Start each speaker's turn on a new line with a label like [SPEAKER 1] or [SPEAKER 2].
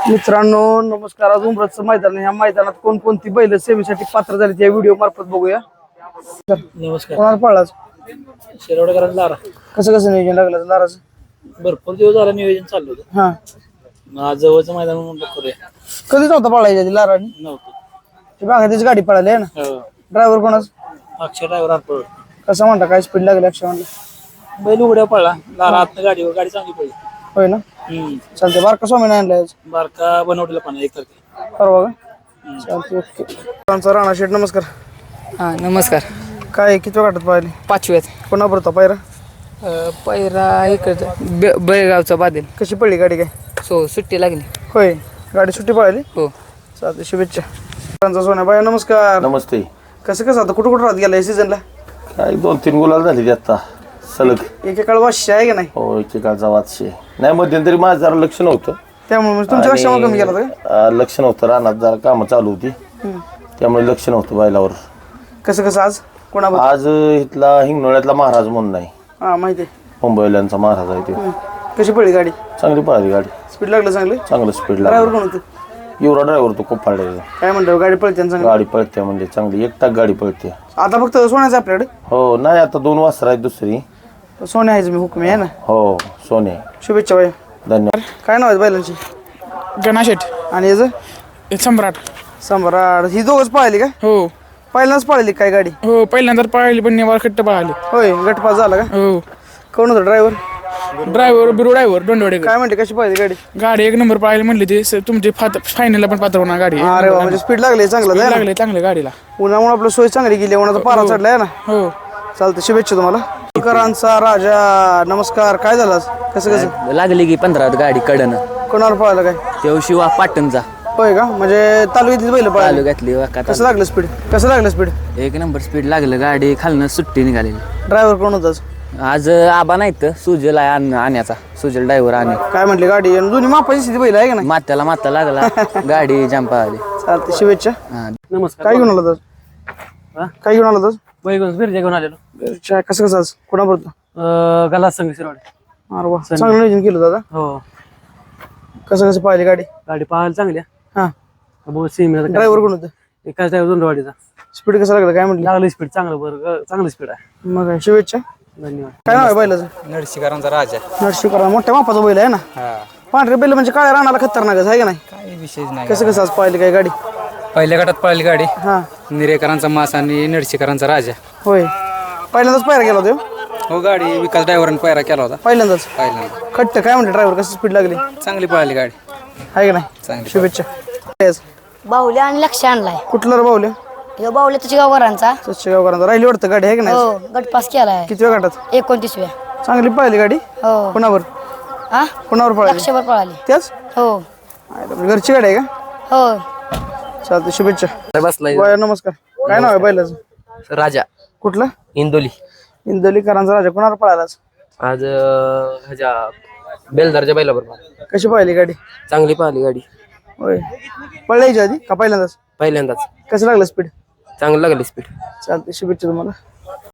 [SPEAKER 1] मित्रांनो नमस्कार. आज उमरचं मैदान ह्या मैदानात कोणकोणती बैल सेवेसाठी पात्र झाली त्या व्हिडिओ मार्फत बघूया.
[SPEAKER 2] नमस्कार.
[SPEAKER 1] कोणाला पळाला
[SPEAKER 2] शिरवडकरांचा लारा
[SPEAKER 1] कसं कसं नियोजन लागलं लाराचं?
[SPEAKER 2] भरपूर दिवस झाला नियोजन चालू होतं.
[SPEAKER 1] हा
[SPEAKER 2] मग आज जवळचं मैदान म्हणून करूया.
[SPEAKER 1] कधी नव्हता पळायच्या आधी लाराने?
[SPEAKER 2] नव्हतं.
[SPEAKER 1] ती मागे त्याची गाडी पळाली आहे ना. ड्रायव्हर कोणाच?
[SPEAKER 2] अक्षय ड्रायव्हर आत पळत.
[SPEAKER 1] कसं म्हणता काय स्पीड लागली अक्षय म्हणलं?
[SPEAKER 2] बैल उघड्या पळला लारा आत गाडीवर गाडी चांगली पडली.
[SPEAKER 1] होय ना. चालते बारका स्वामीने आणलाय
[SPEAKER 2] बारका बनवलेला पण एक तारखे
[SPEAKER 1] परवा का? चालते ओके. राणा शेठ नमस्कार.
[SPEAKER 3] हा नमस्कार.
[SPEAKER 1] काय किती वाटत पाहिली?
[SPEAKER 3] 5व्यात
[SPEAKER 1] कोणा बरं पायरा?
[SPEAKER 3] पहिरा इकडं बेळगावचा बादेल.
[SPEAKER 1] कशी पडली गाडी काय?
[SPEAKER 3] सुट्टी लागली.
[SPEAKER 1] होय गाडी सुट्टी पळाली.
[SPEAKER 3] हो
[SPEAKER 1] चालते शुभेच्छा. सोन्या बाय नमस्कार.
[SPEAKER 4] नमस्ते.
[SPEAKER 1] कसं आता कुठं राहत गेला या सीझनला?
[SPEAKER 4] काय 2-3 गुलाल झाली आता सलग.
[SPEAKER 1] एकेकाळ वाशी आहे का नाही?
[SPEAKER 4] हो एकेकाळचा वादशे नाही. मध्यंतरी माझं जरा लक्ष नव्हतं
[SPEAKER 1] त्यामुळे तुमच्या कशामुळे कमी गेला का?
[SPEAKER 4] लक्ष नव्हतं. रानात जरा कामं चालू होती त्यामुळे लक्ष नव्हतं बैलावर.
[SPEAKER 1] कसं आज कोणाबद्दल?
[SPEAKER 4] आज इथला हिंगणोळ्यातला महाराज म्हणून नाही,
[SPEAKER 1] हा माहिती आहे.
[SPEAKER 4] मुंबईल्यांचा महाराज आहे ते.
[SPEAKER 1] कशी पडली गाडी?
[SPEAKER 4] चांगली पळाली गाडी.
[SPEAKER 1] स्पीड लागलं चांगलं?
[SPEAKER 4] चांगलं स्पीड
[SPEAKER 1] ड्रायव्हर
[SPEAKER 4] लागला.
[SPEAKER 1] कोण होतं?
[SPEAKER 4] एवढा ड्रायव्हर तो खूप फाळलेला.
[SPEAKER 1] काय म्हणतो गाडी पळते ना चांगली?
[SPEAKER 4] गाडी पळते म्हणजे चांगली एकटाक गाडी पळते.
[SPEAKER 1] आता फक्त सोन्याचं आपल्याकडे?
[SPEAKER 4] हो नाही आता 2 वासर आहेत दुसरी.
[SPEAKER 1] सोन्या आहेच मी हुकमी आहे ना.
[SPEAKER 4] हो सोने.
[SPEAKER 1] शुभेच्छा बाई.
[SPEAKER 4] धन्यवाद.
[SPEAKER 1] काय नाव आहे बैलांची?
[SPEAKER 3] गणाशेठ
[SPEAKER 1] आणि याचं?
[SPEAKER 3] सम्राट.
[SPEAKER 1] सम्राट. ही दोघच पळाली का?
[SPEAKER 3] हो
[SPEAKER 1] पहिल्यांदाच पळाली काय गाडी?
[SPEAKER 3] हो पहिल्यांदा पाहिली पण निवार खट्ट पाहिली.
[SPEAKER 1] होय गटपास झाला का?
[SPEAKER 3] हो
[SPEAKER 1] कोण होतं ड्रायव्हर?
[SPEAKER 3] बिरू ड्रायव्हर दोंडवडे.
[SPEAKER 1] काय म्हणते कशी पळाली गाडी?
[SPEAKER 3] गाडी 1 नंबर पाहिली म्हणली ते तुमची फायनलला पण पात्र होणार गाडी.
[SPEAKER 1] अरे वा म्हणजे स्पीड लागली चांगलं आहे ना?
[SPEAKER 3] लागले चांगले गाडीला.
[SPEAKER 1] उन्हामुळे आपलं सोय चांगली गेली. उन्हाचा पारा चढलाय ना.
[SPEAKER 3] हो
[SPEAKER 1] चालतं शुभेच्छा तुम्हाला. करांचा राजा नमस्कार. काय झालं आज? कसं
[SPEAKER 5] लागली की 15 गाडी कडनं.
[SPEAKER 1] कोणावर पळालं काय?
[SPEAKER 5] तेव्हा शिवा पाटणचा
[SPEAKER 1] होय का? म्हणजे तालुक्यातली बैल पळाली.
[SPEAKER 5] तालुक्यातली वाका.
[SPEAKER 1] कसं लागलं स्पीड? कसं लागलं स्पीड?
[SPEAKER 5] 1 नंबर स्पीड लागलं. गाडी खालनं सुट्टी निघालेली.
[SPEAKER 1] ड्रायव्हर कोण होताच?
[SPEAKER 5] आज आबा नाहीत सुजल आहे आण्याचा. सुजल ड्रायव्हर आणि
[SPEAKER 1] काय म्हटले गाडी आणि दोन्ही मापाची स्थिती बैल आहे का नाही?
[SPEAKER 5] माता लागला. गाडी जंपा आली.
[SPEAKER 1] चालते शुभेच्छा.
[SPEAKER 2] नमस्कार.
[SPEAKER 1] काय घेऊन आला तर? काय घेऊन आला तर?
[SPEAKER 2] बैल बिरजा घेऊन आलेलो.
[SPEAKER 1] कसं आज कोणाबरोबर?
[SPEAKER 2] गला संघ शिरवाडे.
[SPEAKER 1] अरे वा चांगलं नियोजन केलं दादा.
[SPEAKER 2] हो
[SPEAKER 1] कसं पाहिली गाडी?
[SPEAKER 2] गाडी पाहायला चांगली.
[SPEAKER 1] हा
[SPEAKER 2] बहुत सेम
[SPEAKER 1] ड्रायव्हर कोण होतं?
[SPEAKER 2] एकाच ड्रायव्हर दोंडवाडीचा.
[SPEAKER 1] स्पीड कसं लागलं काय म्हटलं?
[SPEAKER 2] लागली स्पीड चांगलं बरं चांगलं स्पीड आहे.
[SPEAKER 1] मग काय शुभेच्छा.
[SPEAKER 2] धन्यवाद.
[SPEAKER 1] काय नाव आहे बैलाचं?
[SPEAKER 5] नरशिकारांचा राजा.
[SPEAKER 1] नरशिवकरा. मोठ्या मापाचा बैल आहे ना. पांढरे बैल म्हणजे काळ्या रानाला खतरनाकच आहे का नाही?
[SPEAKER 5] काही विशेष नाही.
[SPEAKER 1] कसं आज पाहिली काय गाडी?
[SPEAKER 5] पहिल्या गटात पळाली गाडी.
[SPEAKER 1] हा
[SPEAKER 5] निरेकरांचा मास आणि नरशिकारांचा राजा.
[SPEAKER 1] होय पहिल्यांदाच पायरा गेला होता?
[SPEAKER 5] हो गाडी विकास ड्रायव्हरने पायरा केला होता
[SPEAKER 1] पहिल्यांदाच.
[SPEAKER 5] पहिल्यांदा.
[SPEAKER 1] खट्ट काय म्हणते ड्रायव्हर? कसं स्पीड लागली?
[SPEAKER 5] चांगली पळाली गाडी.
[SPEAKER 1] आहे का नाही?
[SPEAKER 5] चांगली.
[SPEAKER 1] शुभेच्छा.
[SPEAKER 6] बाहुल्या आणि लक्ष आणलाय.
[SPEAKER 1] कुठलं रे बाहुल्या?
[SPEAKER 6] ह्यो बाहुल्या तुझ्या गावकरांचा.
[SPEAKER 1] गावकरांचा. राहिली वाटतं गाडी आहे का नाही?
[SPEAKER 6] हो गटपास केलाय.
[SPEAKER 1] किती वेळ गटात?
[SPEAKER 6] 29व्या.
[SPEAKER 1] चांगली पाहिली गाडी.
[SPEAKER 6] हो
[SPEAKER 1] कोणावर?
[SPEAKER 6] हा
[SPEAKER 1] कोणावर पळाली?
[SPEAKER 6] लक्षभर पळाली.
[SPEAKER 1] त्याच
[SPEAKER 6] हो
[SPEAKER 1] घरची गाडी आहे का?
[SPEAKER 6] हो
[SPEAKER 1] चालते शुभेच्छा.
[SPEAKER 5] बसलाय.
[SPEAKER 1] बाय नमस्कार. काय नाव आहे बैलाचं?
[SPEAKER 5] राजा
[SPEAKER 1] कुठलं?
[SPEAKER 5] इंदोली.
[SPEAKER 1] इंदोलीकरांचा राजा. कोणावर पळालाच?
[SPEAKER 5] आज ह्याच्या बेलदारच्या बैलाबरोबर.
[SPEAKER 1] कशी पाहिली गाडी?
[SPEAKER 5] चांगली पाहिली गाडी.
[SPEAKER 1] होय पळायची आधी का पहिल्यांदाच?
[SPEAKER 5] पहिल्यांदाच
[SPEAKER 1] कसं लागलं स्पीड?
[SPEAKER 5] चांगलं लागली स्पीड.
[SPEAKER 1] चालते शुभेच्छा तुम्हाला.